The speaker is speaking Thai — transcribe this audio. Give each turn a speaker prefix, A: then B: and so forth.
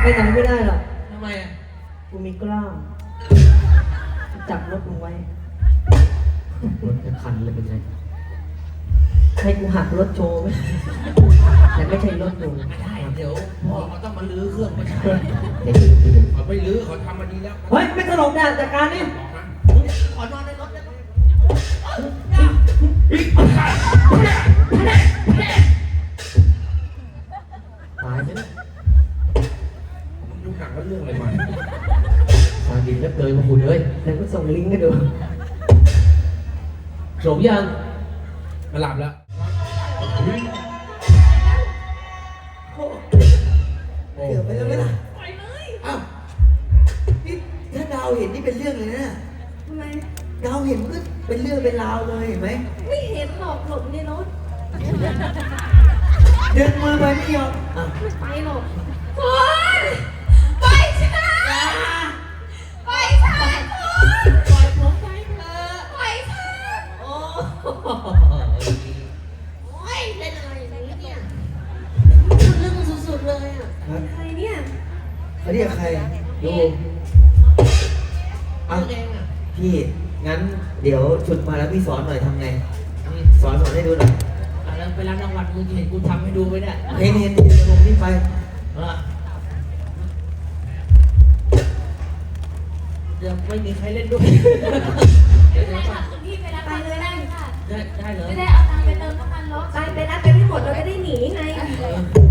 A: ไปไหนไม่ได้หรอก
B: ทำไมอ่ะ
A: กูมีกล้ามจับรถมึงไว้
B: รถจะคันเลยเป็นไง
A: ให้กูหักรถโชว์ไหมแต่ไม่ใช่รถดู
B: ไม่ได้เดี๋ยวพ่อเขาต้องมาลื้อเครื่องมาใช้เขาไม่ลื้อเขาทำมาดีแล้ว
A: เฮ้ยไม่ตลกนะจัดการนี่
B: ขอนอนในรถได้ไหมตายใช่ไหมมึงดูหนังว่าเรื่องอะไรมาตาดีแล้วเกินมาคุณเลย
A: เดี๋ยวกูส่งลิงก์ให้ดู
B: จบยังมาหลับแล้ว
C: เกือบไปแล้วไหมล่ะ
D: ปล่อยเลย
C: อ้าวนี่ถ้าดาวเห็นนี่เป็นเรื่องเลยนะ
D: ทำไม
C: ดาวเห็นมันก็เป็นเรื่องเป็นราวเลยเห็นไหม
D: ไม่เห็นหรอกหลบในรถ
C: เดินมือไปไม่ยอมอ่ะ
D: ไม่ไปหรอกโอ๊ยไปช้าไปช้าคุณปล่อยผมไปเถอะไปช้าโอ้ยเล่นอะไรอย่างนี้เนี่ยเรื่องสุดๆเลยอ่ะใครเนี่ย
C: เขาเรียกใครดูเอาพี่งั้นเดี๋ยวฉุดมาแล้วพี่สอนหน่อยทำไงสอนให้ดูหน่อย
B: แล้วไปรับรางวัลมึงเห็นกูทำให้ดูไหมเนี่ย
C: เห็นเดี๋ยวผมนี่ไป
B: เดี๋ยวไม่มีใครเล่นด้วย
D: ไม่ได้ค่ะคุณพี่ไปรับไปเลยได้ค่ะ
B: ได้เลย
D: ไม่ได้เอาตังค์ไปเติมน้ำมันรถไปนัดไปไม่หมดเราจะได้หนีไง